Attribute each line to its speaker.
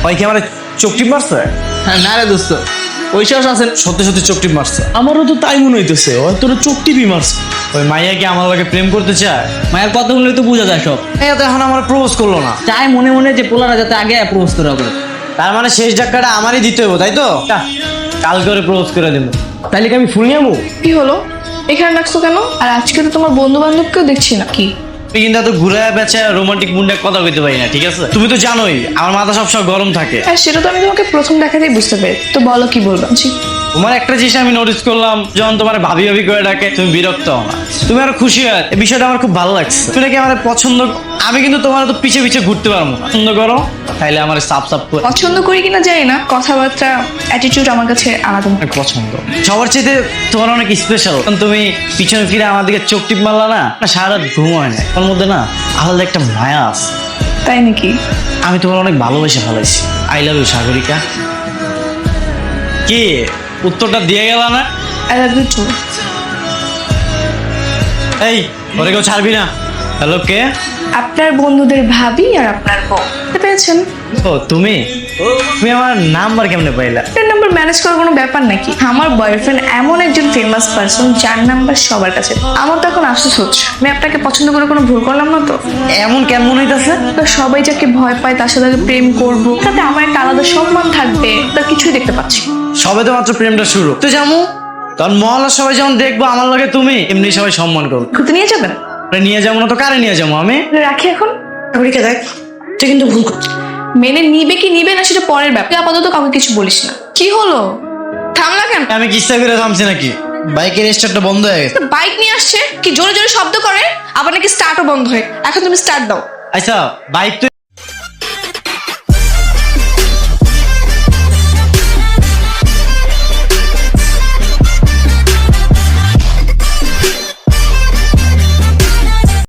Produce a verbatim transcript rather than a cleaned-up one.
Speaker 1: ভাই কি আমার চোখ টিপ মারছে?
Speaker 2: হ্যাঁ না রে দোস্ত, ওই সাহস আছেন?
Speaker 1: সত্যি সত্যি চোখ টিপ মারছে।
Speaker 3: আমারও তো তাই মনে হইতেছে, হয়তো ওরা চোখ টিপি মারছে।
Speaker 1: ওই মাইয়া কি আমার লাগে প্রেম করতে চায়?
Speaker 2: মায়ের কথাগুলো তো বোঝা যায় সব।
Speaker 1: এই তো এখন আমার প্রপোজ করলো না,
Speaker 2: চাই মনে মনে যে পোলারা যাতে আগে প্রপোজ করা করে।
Speaker 1: তার মানে শেষ ধাক্কাটা আমারই দিতে হবে, তাই তো? কাল করে প্রপোজ করে দেবো।
Speaker 3: তাইলে কি আমি ফুল নিয়ে আমু?
Speaker 4: কি হলো, এখানে রাখছো কেন? আর আজকে তো তোমার বন্ধু বান্ধবকেও দেখছি না। কি
Speaker 1: তুমি কিন্তু এত ঘুরে বেচে রোমান্টিক মুন্ডে কথা কইতে পারি না, ঠিক আছে? তুমি তো জানোই আমার মাথা সবসময় গরম থাকে।
Speaker 4: হ্যাঁ, সেটা তো আমি তোমাকে প্রথম দেখাতেই বুঝতে পেরে। তো বলো কি বলবা? জি,
Speaker 1: তোমার একটা জিনিস আমি নোটিস করলাম, যখন তোমার ভাবি ভাবি করে ডাকে তুমি বিরক্ত হও না, তুমি আরো খুশি হয়। এই বিষয়টা আমার খুব ভালো লাগছে। তুমি নাকি আমার পছন্দ, আমি কিন্তু তোমার তো পিছে পিছে ঘুরতে পারবো না। পছন্দ করো তাইলে আমার সাপ সাপ করে
Speaker 4: পছন্দ করি কিনা জানি না, কথাবার্তা অ্যাটিটিউড আমার কাছে আলাদা।
Speaker 1: অনেক পছন্দ। সবার চাইতে তোমার অনেক স্পেশাল। তুমি পিছনে ফিরে আমার দিকে চোখ টিপ মারলা না, না সারা রাত ঘুম হয় না, ওর মধ্যে না আলাদা একটা মায়া আছে।
Speaker 4: তাই নাকি?
Speaker 1: আমি তোমার অনেক ভালোবেসে ফেলাইছি। I love you Sagarika. কি উত্তরটা দিয়ে গেল না?
Speaker 4: I love you too.
Speaker 1: এই ওরে কেউ ছাড়বি না। হ্যালো, কে?
Speaker 4: আপনার বন্ধুদের ভাবি আর আপনার বউ। বুঝতে পেরেছেন?
Speaker 1: ও তুমি তুমি আমার নাম্বার কেমনে পাইলা?
Speaker 4: আপনার নাম্বার ম্যানেজ করার কোনো ব্যাপার নাকি? আমার বয়ফ্রেন্ড এমন একজন ফেমাস পার্সন যার নাম্বার সবার কাছে। আমার তো এখন আফসোস হচ্ছে, আমি আপনাকে পছন্দ করে কোনো ভুল করলাম না তো?
Speaker 1: এমন কেন মনে হইতাছে?
Speaker 4: তো সবাই যাকে ভয় পায় তার সাথে আগে প্রেম করবো, তাতে আমার একটা আলাদা সম্মান থাকবে, তার কিছুই দেখতে পাচ্ছি না।
Speaker 1: সবে তো মাত্র প্রেমটা শুরু। তো জামু তখন মহল্লার সবাই যেমন দেখবো আমার লগে তুমি, এমনি সবাই সম্মান করবো।
Speaker 4: ঘুরতে নিয়ে যাবেন?
Speaker 1: নিয়ে যাবো না তো কারে নিয়ে যাবো আমি?
Speaker 4: রাখি এখন।
Speaker 5: সাগরিকা দেখ, তুই কিন্তু ভুল করছিস।
Speaker 4: মেনে নিবে কি নিবে না সেটা পরের ব্যাপার, তুই আপাতত কাউকে কিছু বলিস না। কি হলো, থামলা কেন?
Speaker 1: আমি কিস্তা করে থামছি নাকি? বাইকের স্টার্টটা বন্ধ হয়ে গেছে।
Speaker 4: বাইক নিয়ে আসছে কি জোরে জোরে শব্দ করে, আবার নাকি স্টার্টও বন্ধ হয়। এখন তুমি স্টার্ট দাও।
Speaker 1: আচ্ছা বাইক তো